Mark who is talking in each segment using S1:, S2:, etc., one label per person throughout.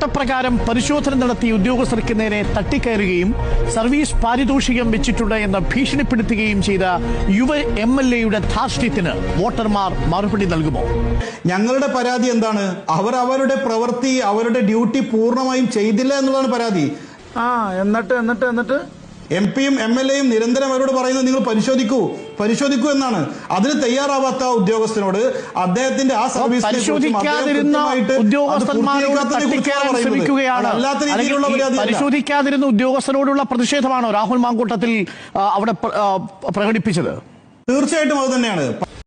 S1: ചട്ടപ്രകാരം പരിശോധന നടത്തിയ ഉദ്യോഗസ്ഥർക്ക് നേരെ തട്ടിക്കയറുകയും സർവീസ് പാരിതോഷികം വെച്ചിട്ടുണ്ട് എന്ന് ഭീഷണിപ്പെടുത്തുകയും ചെയ്ത യുവ MLA-യുടെ ധാർഷ്ട്യത്തിന് വോട്ടർമാർ മറുപടി നൽകുമോ?
S2: ഞങ്ങളുടെ പരാതി എന്താണ്? അവർ അവരുടെ പ്രവൃത്തി, അവരുടെ ഡ്യൂട്ടി പൂർണ്ണമായും ചെയ്തില്ല എന്നുള്ളതാണ് പരാതി.
S3: എന്നിട്ട്
S2: MP-യും MLA-യും നിരന്തരം അവരോട് പറയുന്നത് നിങ്ങൾ പരിശോധിക്കൂ എന്നാണ്. അതിന് തയ്യാറാവാത്ത ഉദ്യോഗസ്ഥനോട് അദ്ദേഹത്തിന്റെ ആ സർവീസ്
S1: പരിശോധിക്കാതിരുന്ന ഉദ്യോഗസ്ഥരോടുള്ള പ്രതിഷേധമാണോ രാഹുൽ മാങ്കൂട്ടത്തിൽ അവിടെ പ്രകടിപ്പിച്ചത്?
S2: തീർച്ചയായിട്ടും അത് തന്നെയാണ്.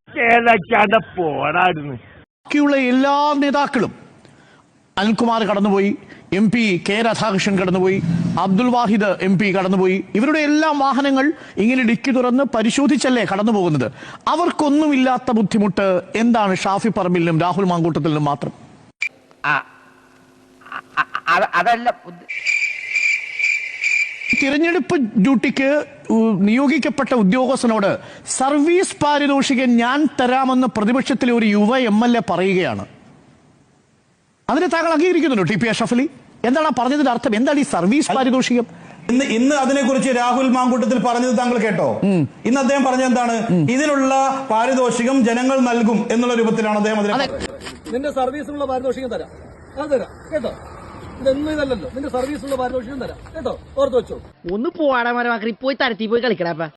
S1: ബാക്കിയുള്ള എല്ലാ നേതാക്കളും, അനിൽകുമാർ കടന്നുപോയി, MP K രാധാകൃഷ്ണൻ കടന്നുപോയി, അബ്ദുൽ വാഹിദ് MP കടന്നുപോയി, ഇവരുടെ എല്ലാ വാഹനങ്ങൾ ഇങ്ങനെ ഡിക്കി തുറന്ന് പരിശോധിച്ചല്ലേ കടന്നു പോകുന്നത്. അവർക്കൊന്നുമില്ലാത്ത ബുദ്ധിമുട്ട് എന്താണ് ഷാഫി പറമ്പിലിനും രാഹുൽ മാങ്കൂട്ടത്തിനും മാത്രം? തിരഞ്ഞെടുപ്പ് ഡ്യൂട്ടിക്ക് നിയോഗിക്കപ്പെട്ട ഉദ്യോഗസ്ഥനോട് സർവീസ് പാരിതോഷികം ഞാൻ തരാമെന്ന് പ്രതിപക്ഷത്തിലെ ഒരു യുവ MLA പറയുകയാണ്. അതിനെ താങ്കൾ അംഗീകരിക്കുന്നുണ്ടോ TP അഷ്റഫ് അലി? എന്താണ് പറഞ്ഞതിന്റെ അർത്ഥം? എന്താണ് ഈ സർവീസ് പാരിതോഷികം?
S2: ഇന്ന് അതിനെക്കുറിച്ച് രാഹുൽ മാങ്കൂട്ടത്തിൽ പറഞ്ഞത് താങ്കൾ കേട്ടോ? ഇന്ന് അദ്ദേഹം പറഞ്ഞത് എന്താണ്? ഇതിനുള്ള പാരിതോഷികം ജനങ്ങൾ നൽകും എന്നുള്ള രൂപത്തിലാണ് അദ്ദേഹം
S3: നിന്റെ സർവീസിനുള്ള പാരിതോഷികം തരാം, അത് തരാം കേട്ടോ. ഇതൊന്നും ഇതല്ലല്ലോ, നിന്റെ സർവീസിനുള്ള പാരിതോഷികം തരാം കേട്ടോ, ഓർത്ത് വെച്ചോ.
S4: ഒന്ന് പോവാടാ മരമാക്കി പോയി തരത്തി പോയി കളിക്കടാ.